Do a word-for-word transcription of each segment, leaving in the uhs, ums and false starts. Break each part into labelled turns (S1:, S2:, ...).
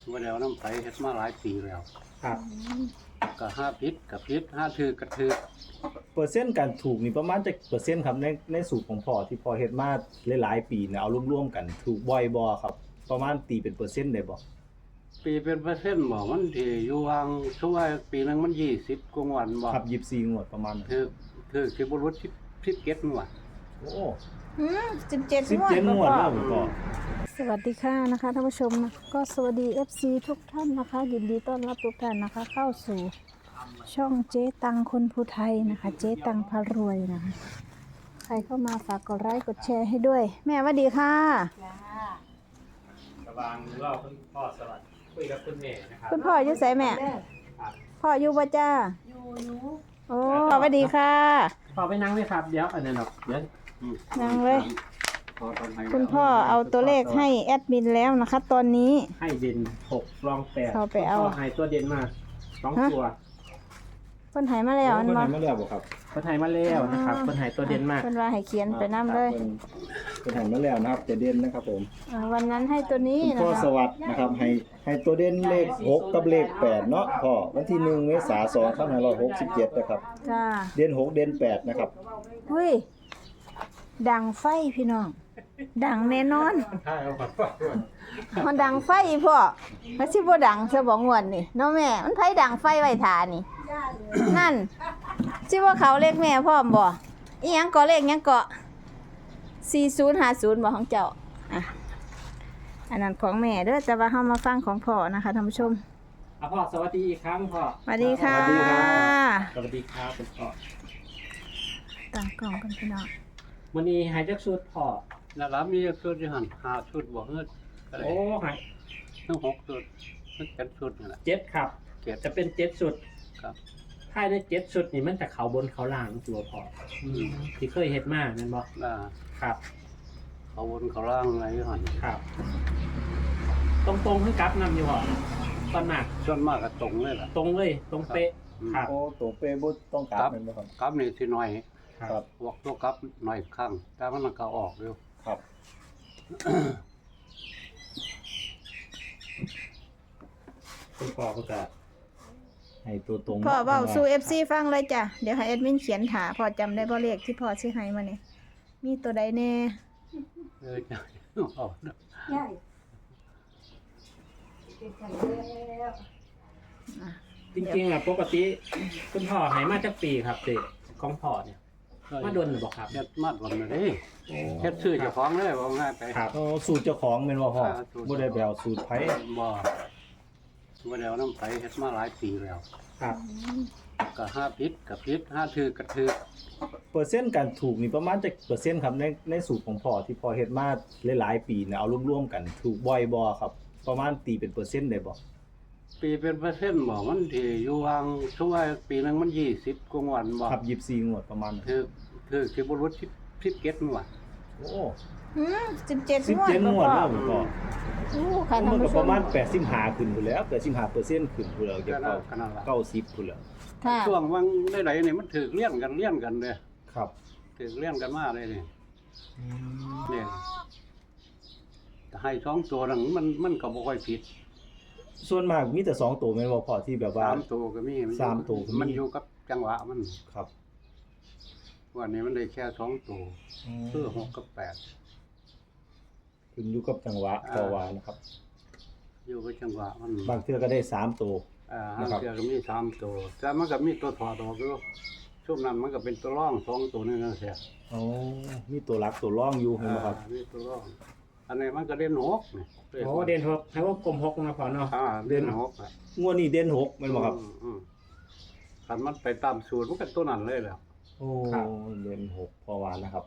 S1: ว่าแล้วน้ำใสเฮ็ดมาหลายปีแล้ว
S2: ครับ
S1: ก็ห้าพิษกับพิษห้าถือกระถือ
S3: เปอร์เซ็นต์การถูกนี่ประมาณจักเปอร์เซ็นต์ครับในในสูตรของพ่อที่พ่อเฮ็ดมาหลายๆปีเนี่ยเอารวมๆกันถูกบ่อยบ่ครับประมาณตีเป็นเปอร์เซ็นต์ได้บ่
S1: ปีเป็นเปอร์เซ็นต์บ่มันที่อยู่ห่างช่วงปีหนึงมันยี่สิบกว่าวันบ่
S3: ครับยี่สิบสี่งวดประมาณนั้น
S1: ถือถือสิบ่รู้สิบ สิบเจ็ดงวด
S3: โอ้
S4: อืมสิบเจ็ด
S3: สิบ
S4: งวด
S3: เจ็ดงวด
S4: พ่
S3: แล้
S4: อ
S3: วพ่อ
S4: สวัสดีค่ะนะคะท่านผู้ชมนะก็สวัสดี เอฟ ซี ทุกท่านนะคะ ยินดีต้อนรับทุกท่านนะคะ เข้าสู่ช่องเจ๊ตังคนภูไทยนะคะ เจ๊ตังพารวยนะคะ ใครเข้ามาฝากกดไลค์กดแชร์ให้ด้วย แม่สวัสดีค่ะ
S2: กระบางรอบคุณพ่อสวัสดีคุยกับคุณแม่นะครับ
S4: คุณพ่ออยู่ไสแม่
S2: ครับ
S4: พ่ออยู่บ่จ้า
S5: อยู่อยู่
S4: โอ้สวัสดีค่ะ
S2: พ่อไปนั่งเลยครับเดี๋ยวอันนั้นหรอกเดี๋ยว
S1: อืม
S4: นั่งเลย
S1: พอตอนให้
S4: คุณพ่อเอาตัวเลขให้แอดมินแล้วนะคะ ตอนนี้
S2: ให้เด่นหกรองแปด
S4: เข้าไปเอา
S2: พ่อให้ตัวเด่นมาสองตัว
S4: เพิ่นใหายมาแล้วอัน
S3: เพิ่น
S4: บ่
S3: ให้มาแล้วบ่ครับ
S2: เพิ่นให้มาแล้วนะครับเพิ่นให้ตัวเด่นมา
S4: เพิ่นว่าให้เขียนไปนํเลย
S3: พิ่นเพิ่นให้มาแล้วนะครับจะเด่นนะครับผม
S4: อ่าวันนั้นให้ตัวนี้
S3: คุณ
S4: นะ
S3: พ่อ
S4: คะ
S3: สวัสดิ์นะครับให้ให้ตัวเด่นเลขหกกับเลขแปดเนาะพ่อวันที่หนึ่งเมษายนสองพันห้าร้อยหกสิบเจ็ดนะครับ
S4: จ้า
S3: เด่นหกเด่นแปดนะครับ
S4: เฮ้ย ดังไฟพี่น้อง ดังแน่นอน
S2: ใช่ครับ
S4: มันดังไฟพ่อแล้วสิบ่ดังซะบ่งวดนี่เนาะแม่ มันไผดังไฟไว้ทานี่ นั่นสิว่าเขาเลขแม่พร้อมบ่อีหยังเกาะเลขหยังเกาะสี่ศูนย์ห้าศูนย์บ่ของเจ้าอ่ะอันนั้นของแม่เด้อแต่ว่าเฮามาฟังของพ่อนะคะท่านผู้ชม
S2: อ่ะพ่อสวัสดีอีกครั้งพ่อ
S4: สวัสดีค่ะ
S3: สวัสดีครับ
S2: สวัสดีครับคุณพ่อ
S4: ตั้งกล่องกันพี่น้อง
S2: วันนี้ให้จักชุดพ่อ
S1: นั่นล่ะมีชุดอยู่หั่นห้าชุดบ่เฮ็ดก็ได้
S2: โอ้ให้
S1: ทั้งหกชุดทั้งเจ็ดชุดนั่นแหละ
S2: เจ็ดครับ
S1: เจ็ด
S2: จะเป็นเจ็ดชุด
S1: ครับ
S2: ภายในเจ็ดชุดนี่มันจะเขาบนเขาล่างตัวพ่ออที่เคยเฮ็ดมาแม่นบ่
S1: อ่า
S2: ครับ
S1: เขาวนเขาล่างอะไรอยู่หั่น
S2: ครับ ตรงตรงๆให้กลับนำอยู่พ่อตอนหนัก
S1: ส่วนมากก็ตรงเลยล่ะ
S2: ตรงเลยตรงเป๊ะ
S1: อืม
S2: ครับ
S3: โอ้ตัวเป้บ่ต้องกลับแม่นบ่ครับ
S1: กลับนี่สิหน่อย
S3: ครับ
S1: พวกตัวกลับหน่อยข้างแต่มันก็ออกอยู่
S3: ครับ
S2: คุณพ่อก็จะ
S3: ให้ตัวตรง
S4: พ่อเว้าสู่ เอฟ ซี ฟังเลยจ้ะเดี๋ยวให้แอดมินเขียนถาพ่อจำได้บ่เลขที่พ่อสิให้มานี่มีตัวใดแน่
S1: เออจะเอาเนาะ
S5: ใช่เป็นกันแล้ว
S2: จริงๆอ่ะปกติคุณพ่อให้มาจากปีครับเด็กของพ่อเนี่ยมาโดนหรือเปล่าครับ
S1: เฮ็ดมาดวันเลยเด้เฮ็ดชื่อเจ้าของเลยว่าง่ายไป
S2: ครับ
S3: โอ้สูตรเจ้าของแม่นบ่พ่อ
S1: อ่าสูตร
S3: บ่ได้ไปเอาสูตรไผ
S1: บ่บ่ได้เอาน้ำใสเฮ็ดมาหลายปีแล้ว
S2: ครับ
S1: ก็ห้าพิษกับพิษห้าถือกระถือ
S3: เปอร์เซ็นต์การถูกนี่ประมาณจักเปอร์เซ็นต์ครับในในสูตรของพ่อที่พ่อเฮ็ดมาหลายๆปีเนี่ยเอารวมๆกันถูกบ่อยบ่ครับ ประมาณตีเป็นเปอร์เซ็นต์ได้บ่
S1: ปีเป็นเปอร์เซ็นต์บ่มันที่อยู่ห่างช่วงปีหนึงมันยี่สิบกว่าวันบ่
S3: ครับยี่สิบสี่งวดประมาณนั้น
S1: ถือถือสิบ่รู้สิบ สิบเจ็ดงวด
S3: โอ้
S4: หืมสิบเจ็ด
S3: สิบ
S4: งวด
S3: เจ็ด
S4: บ่
S3: งวด
S4: พ่อ
S3: แล้วพ่อ
S4: โอ้ค่ะท่า
S3: มัน นก็
S4: ผู้ช
S3: ประ
S4: ม
S3: มาณแปดสิบห้าขึ้นพุ่นแล้วแปดสิบห้าเปอร์เซ็นต์ขึ้นพุ่นแล้วจะ
S1: ก็นั่
S3: เข้าน
S1: ก็นั่นล่ะ
S3: เก้าสิบพุ่นแล้ว
S4: ค่ะ
S1: ช่วงวังได้ๆนี่มันถือเลี้ยงกันเลี้ยงกันเด้
S3: ครับ
S1: ถือเลี้ยงกันมาเลยนี่เนี่ยแต่ให้สองตัวนั้นมันมันก็บ่ค่อยผิด
S3: ส่วนมากมีแต่สองตัวแม่นบ่พ่อที่แบบว่า
S1: สามตัวก็มีนอยู่
S3: สามตัวก็มี
S1: มันอยู่กับจังหวะมัน
S3: ครับ
S1: วันนี้มันได้แค่สองตัวคือหกกับแปด
S3: ขึ้นอยู่กับจังหวะ
S1: อ่า
S3: ต่อวานะครับ
S1: อยู่กับจังหวะมัน
S3: บางเทื่อก็ได้สามตัว
S1: อ่า
S3: นะ
S1: ห้าง
S3: ครับ
S1: เสือก็มีสามตัวแต่มันก็มีตัวถอดออกอยู่ช่วงนั้นมันก็เป็นตัวร่องสองตัวนึงนั่นเสีย
S3: อ๋อมีตัวรักตัวร่องอยู่เห็นบ่ครับ
S1: อ่ามีตัวร่องอันนี้มันก็เด่นหกนี่
S2: โอ้เด่นหกให้ว่ากลมหกนะพ่อเนาะ
S1: อ่าเด่นหกอ่ะ
S3: งวดนี้เด่นหกแม่นบ่ครับ
S1: อืมอืมคันมันไปตามสูตรมันก็ตัวนั้นเลยแหล้ว
S3: โอ้เด่นหกพอวานนะครับ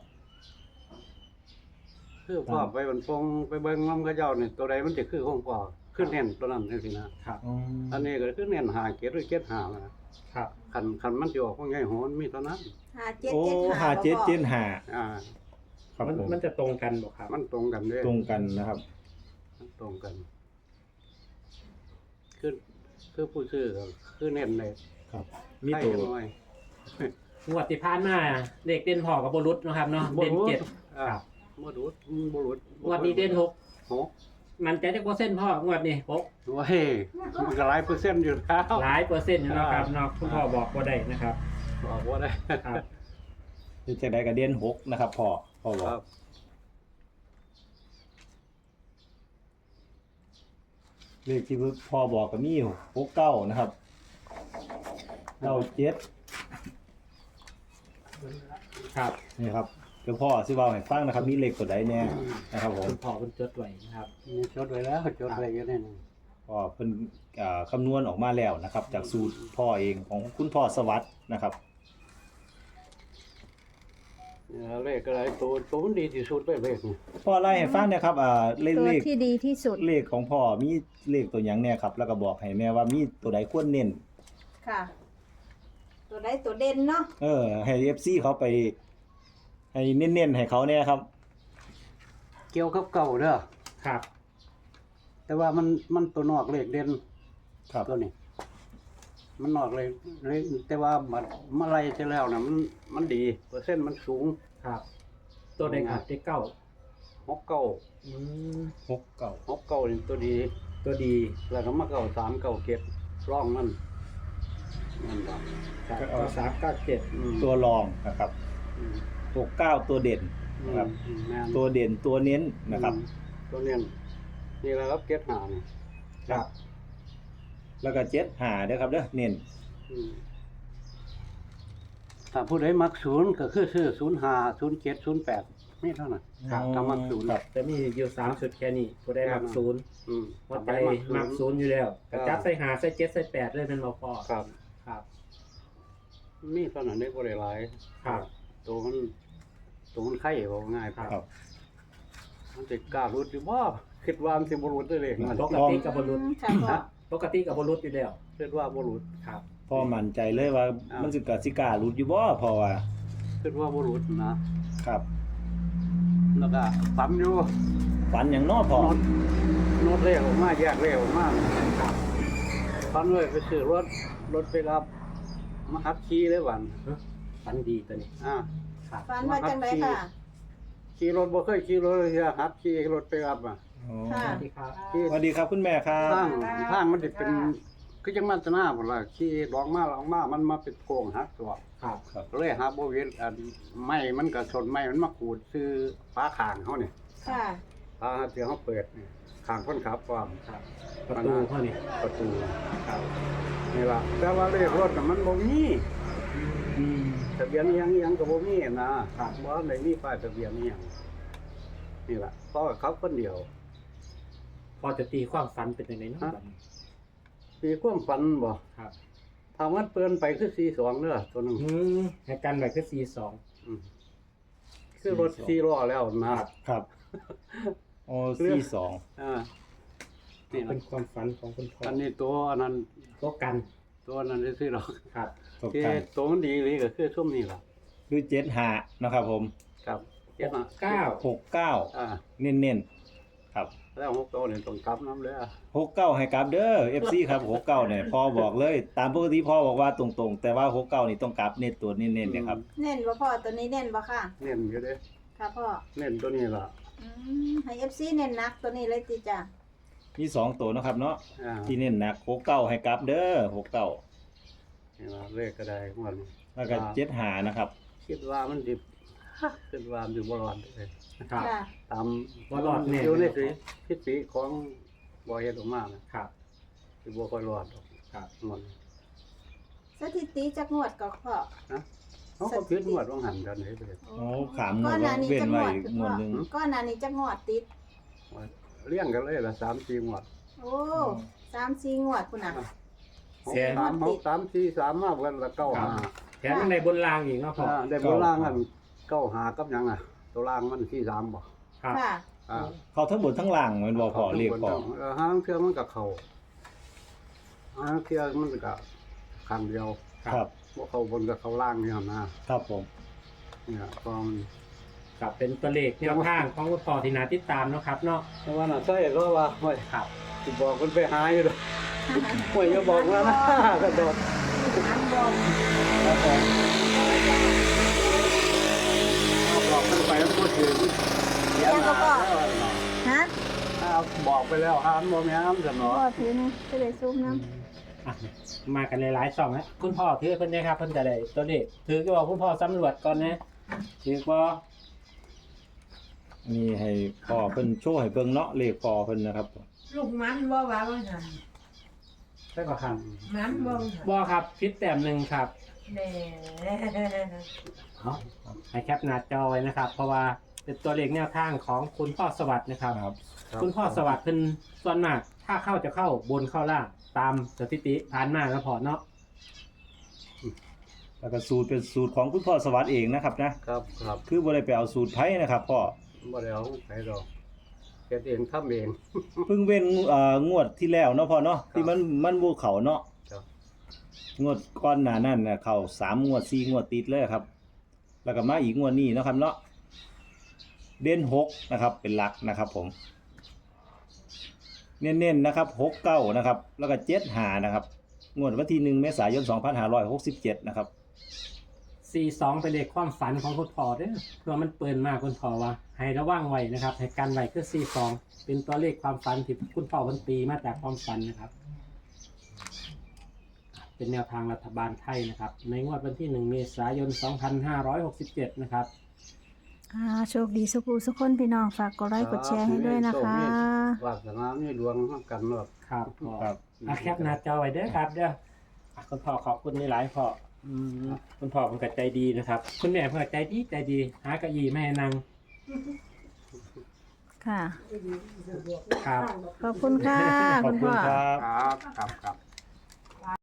S1: คือพ่อไปบนฟงไปเบิ่งน้ำกระเจ้านี่ตัวใดมันจะคือของพ่อขึ้นเน้นตัวนั้นจังซี่นะครับ
S3: อืม
S1: อันนี้ก็คือเน้นหาเกตหรือเกตหานะครับ คันคันมันสิออกของใหญ่โหนมีเท่านั้น
S4: ห้าเจ็ด
S3: โอ้
S4: เจ็ด
S3: ห้า
S4: ห้า
S3: เจ็ดเจ็ด
S4: บ่
S3: ห้า
S1: อ่า
S3: ครับ
S2: มัน
S3: ผม
S2: มันจะตรงกันบ่ครับ
S1: มันตรงกันเด้
S3: ตรงกันนะครับ
S1: มันตรงกัน คือคือผู้ซื้อก็คือเน้นเลย
S3: ครับ มีตัว
S1: ใครจะน้อย
S2: งวดที่ผ่านมาเด็กเด่นพ่อกับบรุษนะครับเนาะเด่นเจ็ด
S1: อ่าบ่รู้บ่รู้
S2: งวดนี้เด่นหก
S1: หก
S2: มันใจจักเปอร์เซ็นต์พ่องวดนี้หก
S1: โอ้ยมันก็หลายเปอร์เซ็นต์อยู่แล้ว
S2: หลายเปอร์เซ็นต์อยู่แล้วครับเนาะคุณพ่อบอกบ่ได้นะครับ
S1: บอกว่าได้
S2: ครับ
S3: คือจะได้กระเด็นหกนะครับพ่อพ่อบอก
S1: ครับ
S3: เลขที่พ่อบอกก็มีหกเก้านะครับเก้าเจ็ด
S2: ครับ
S3: นี่ครับเดี๋ยวพ่อสิเว้าให้ฟังนะครับ มีเลขตัวใดแน่นะครับผม
S2: คุณพ่อคุณจดไว้นะครับ
S1: มีจดไว้แล้วจดไว้ก็ได้นี่
S3: พ่อเพิ่นอ่าคำนวณออกมาแล้วนะครับ จากสูตรพ่อเองของคุณพ่อสวัสดิ์นะครับ
S1: เนี่ยเลขอะไรตัวตัวมันดีที่สุดเลยเลขนี่
S3: พ่อไล่ให้ฟังเนี่ยครับอ่าเลข
S4: ตัว
S3: เลข
S4: ที่ดีที่สุด
S3: เลขของพ่อมีเลขตัวหยังเนี่ยครับ แล้วก็บอกให้แม่ว่ามีตัวใดควรเน้น
S4: ค่ะ ตัวใดตัวเด่นเนาะ
S3: เออ ให้ เอฟ ซี เขาไป ให้เน้นๆให้เขาเนี่ยครับ
S1: เกี่ยวกับเก่าเด้อ
S2: ครับ
S1: แต่ว่ามันมันตัวนอกเลขเด่น
S3: ครับ
S1: ตัวนี้ มันนอกเลยเลยแต่ว่ามันมาไล่จะแล้วนะมันมันดีเปอร์เซ็นต์มันสูง
S2: ครับ ตัวใดครับที่เก้า
S1: หกเก้า
S2: อืม
S3: หกเก้า
S1: หกเก้านี่ตัวดี
S2: ตัวดี
S1: แล้วก็มาเก้าสามเก้าเก็ดร่องมันนั่นครับ
S2: ครับเก้าสามเก้าเจ็ด
S1: อืม
S3: ตัวรองนะครับ
S1: อืม
S3: หกเก้าตัวเด่นนะครับ
S1: อืมแม่น
S3: ตัวเด่นตัวเน้นนะครับ
S1: อืมตัวเนี้ยนี่แหละครับเก็ดหานี่
S2: ครับ
S3: แล้วก็เจ็ดหาเด้อครับเด้อเน้น
S1: อืมถ้าผู้ใดมักศูนย์ก็คือซื้อศูนย์ห้าศูนย์เจ็ดศูนย์แปดนี่เท่านั้น
S2: ครับ
S1: ถ้ามักศูนย์
S3: ครับ
S2: จะมีอยู่สามชุดแค่นี้ผู้ได้มักศูนย์
S1: อืม
S2: ว่าใจมักศูนย์อยู่แล้วกระจับใส่หาใส่เจ็ดใส่แปดเลยเป็นบ่พอ
S1: ครับ
S2: ครับ
S1: มีเท่านั้นได้บ่ได้หลาย
S2: ครับ
S1: ตัวมันตัวมันไข่บ่ง่าย
S3: ครับ
S1: มันสิกล้ารุดอยู่บ่คิดว่ามันสิบ่รุดได้เลยมัน
S2: ปกติกับบรุษ
S4: ค่ะพ่อ
S2: ปกติกับบรุษอยู่แล้ว
S1: คิดว่าบ่รุด
S2: ครับ
S3: พ่อมั่นใจเลยว่า
S1: อ่ามั
S3: มันสิกะสิกล้าหลุดอยู่บ่เพอว่า
S1: คิดว่าบ่รุดนะครับ แล้วก็ฝันอยู่
S3: ฝันอย่างน้อพ่อ
S1: โนดโนดเลขออกมาแยกเลขออกมาครับฝันเลยไปซื้อรถรถไปรับมาหัดขี่เลยวัน
S2: ฝันดีตัวนี้
S1: อ่า
S2: ครับ
S4: ฝันว่าจังไดค่ะ
S1: ขี่รถบ่เคยขี่รถเลยเทื่อหัดขี่รถไปรับอ่ะ
S3: อ๋อ
S4: ค่ะ
S2: สวัสดีครับ
S1: ขี่
S3: สวัสดีครับคุณแม่ครั
S1: ทา
S3: บ
S1: งทางมันสิเป็นคือจังมันจะหน้าพุ่นล่ะขี่ลองมาลองมามันมาเป็นโกงหักตัว
S2: ครับ
S3: ครับ
S1: เลยหาบ่เว้นอันไม้มันก็ชนไม้มันมาขูดซื้อฟ้าข้างเฮานี่
S4: ค่ะ
S1: ฟ้าที่เฮาเปิดนี่ข้างคนขับความ
S2: ครับ ประตูเท่านี้
S1: ประตู
S2: ครับ
S1: นี่ล่ะแต่ว่าเลขรถน่ะมันบ่มี
S2: อืม
S1: ทะเบียนอิหยังอิหยังก็บ่มีนะครับ บ่ได้มีป้ายทะเบียนอิหยังนี่ล่ะเพราะว่าเขาคนเดียว
S2: พอจะตีความฝันเป็นยังไงเนาะบัดนี้
S1: มีความฝันบ่
S2: ครับ
S1: ถ้ามันเปิ้นไปคือสี่สิบสองเด้อตัวหนึง
S2: อืมให้กันไว้คือสี่สอง
S1: อืมคือรถสี่ล้อแล้วนะครับ
S3: ครับโอ้สี่สอง
S1: อ่านี่
S2: เป็
S1: ล่ะ
S2: นความฝันของคุณพ่อ
S1: อันนี้ตัวอันนั้น
S2: ก็กัน
S1: ตัวนั้นซื้อหรอก
S2: ครับ
S3: ตก
S1: คือ
S3: กัน
S1: ตัวมันดีเลยก็คือช่วงนี้ล่ะ
S3: คือเจ็ดหานะครับผม
S1: ครับเจ็ดมา
S2: เก้า
S3: หกเก้า
S1: อ่า
S3: เน้นๆครับ
S1: แล้วหกตัวนี่ต้องกลับน้ำเลยอ่ะ
S3: หกเก้าให้กลับเด้อ เอฟ ซี ครับหกเก้าเนี่ยพ่อบอกเลย ตามปกติพ่อบอกว่าตรงๆ แต่ว่าหกเก้านี่ต้องกลับเน้นตัวเน้นๆเนี่ยครับ
S4: เน้นบ่พ่อตัวนี้เน้นบ่ค่ะ
S1: เน้นอยู่เด้
S4: ค่ะพ่อ
S1: เน้นตัวนี้ล่ะ
S4: อืมให้ เอฟ ซี เน้นหนักตัวนี้เลยติจ้ะ
S3: มีสองตัวเนาะครับเนาะ
S1: อ่า
S3: ที่เน้นหนักหกเก้าให้กลับเด้อหกเก้า
S1: นี่ล่ะเลขก็ได้ของมัน
S3: แล้วก็เจ็ดหานะครับ
S1: คิดว่ามันดิบคิดว่ามันอยู่บ่รอดเลย
S2: ครับ
S4: ค่ะ
S1: ตาม
S2: บ่รอดแน่
S1: อยู่ในสีพิธีของบ่เฮ็ดออกมานะครับ สิบ่ค่อยรอดดอก
S2: ครับ
S1: มัน
S4: สถิติจักงวดก็พ่อ
S1: เขาก็พิดงวดว่างหันกันเฮ็ดเลย
S3: โอ้ขามงว
S4: ก้อ
S3: ด
S4: นหน้านี้
S3: เว้น
S4: จักง
S3: ไว้
S4: วด
S3: งวดหนึง
S4: ก้อนหน้านี้จักงวดติด
S1: เลี้ยงกันเลยละสามสี่งวด
S4: โอ้สามสี่งวดพุ่นน่ะ
S2: แสน
S1: สามหกสามสี่สามมาเพิ่นละเก้าห้า
S2: แถมยังในบนรางอีกเนาะพ่อ
S1: อ่าได้โบราณกันเก้าหากับหยังอ่ะ ตัวล่างมันสี่สามบ่
S2: ครับ
S4: ค่ะ
S1: อ่า
S3: เขาทั้งบนทั้งล่างแมันบ่พอเรียกพอ
S1: เออห้างเทื่อมันก็เข้าห้างเทื่อมันก็ข้างเดียว
S3: ครับ
S1: บ่เข้าบนก็เข้าล่างนี่หั่นนะครับ
S3: ผม
S1: เนี่ยก็มัน
S2: ครับเป็นตัวเลขแนวทางของคุณพ่อที่น่าติดตามเนาะครับเนาะ
S1: แต่ว่าน่ะใช่ก็ว่าโอ้ย
S2: ครับ
S1: สิบอกเพิ่นไปหาอยู่เด้อโอ้ยอย่าบอกแล้วนะก็โดด
S4: อันบอก
S1: แล้วบอกบอกเพิ่นไปแล้วบ่ถึง
S4: ยังก็พ่อฮะ
S1: ออ้าวบอกไปแล้วอ่านบ่แม่นซั่น
S4: พ่
S1: เนาะ
S4: อถือนะจะได้ซูมน้
S2: อ่ะมากันหลายๆช่องนะคุณพ่อถือเพิ่นนะครับเพิ่นจะได้ตัวเลขถือก็บอกคุณพ่อสำรวจก่อนนะถือบ่
S3: นี่ให้พ่อเพิ่นโชว์ให้เบิ่งเนาะเลขพ่อเพิ่นนะครับ
S5: ลูกมันบ่ว่าว่าหั่น
S2: ได้บ่ครับ
S5: มันบ่ว่าหั่น
S2: บ่ครับพิษแต้มหนึ่งครับ
S5: แหน่
S2: เอาให้แคปหน้าจอไว้นะครับ เพราะว่าเป็นตัวเลขแนวทางของคุณพ่อสวัสดิ์นะครับ
S3: ครับ
S2: คุณพ่อสวัสดิ์เพิ่นส่วนมากถ้าเข้าจะเข้าบนเข้าล่างตามสถิติผ่านมาแล้วพอเนาะ
S3: แล้วก็สูตรเป็นสูตรของคุณพ่อสวัสดิ์เองนะครับนะครับ
S1: ครับ
S3: คือบ่ได้ไปเอาสูตรไผนะครับพ่อ
S1: บ่ได้เอาไปดอกเฮ็ดเองทำเอง
S3: เพิ่งเว้นเอ่องวดที่แล้วเนาะพ่อเนาะที่มันมันบ่เข้าเนาะ
S1: ครับ
S3: งวดก่อนหน้านั้นน่ะเข้าสามงวดสี่งวดติดเลยครับ แล้วก็มาอีกงวดนี้เนาะครับเนาะเด่นหกนะครับเป็นหลักนะครับผมเน้นๆนะครับหกเก้านะครับแล้วก็เจ็ดห้านะครับงวดวันที่หนึ่งเมษายนสองพันห้าร้อยหกสิบเจ็ดนะครับ
S2: สี่สองเป็นเลขความฝันของคุณพ่อเด้อเพื่อมันเปินมากคุณพ่อว่าให้ระวังไว้นะครับให้กันไว้คือสี่สองเป็นตัวเลขความฝันที่คุณพ่อมันตีมาจากความฝันนะครับ เป็นแนวทางรัฐบาลไทยนะครับ ในงวดวันที่หนึ่งเมษายนสองพันห้าร้อยหกสิบเจ็ดนะครับ
S4: ำอ่าโชคดีสุขสุขคนพี่น้องฝากกดไลค์กดแชร์ให้ด้วยนะคะ
S1: วาสนามีดวงนํกันเนาะ
S2: ครับพ่อ
S3: ครับ
S2: อ่ะแคปหน้าจอไว้เด้อครับเด้ออ่ะคุณพ่อขอบคุณหลายๆพ่ออืมคุณพ่อเป็นกใจดีนะครับ คุณแม่เพิ่นก็ใจดีใจดีหากระยีไม่ให้นั่ง
S4: ค่ะ
S2: ครับ
S4: ขอบคุณค่ะ
S3: ขอ
S4: คุ
S3: บ
S4: ณ
S3: คุ
S4: พ่
S3: ณ
S4: อ
S3: ครับ
S1: ครับครับครับ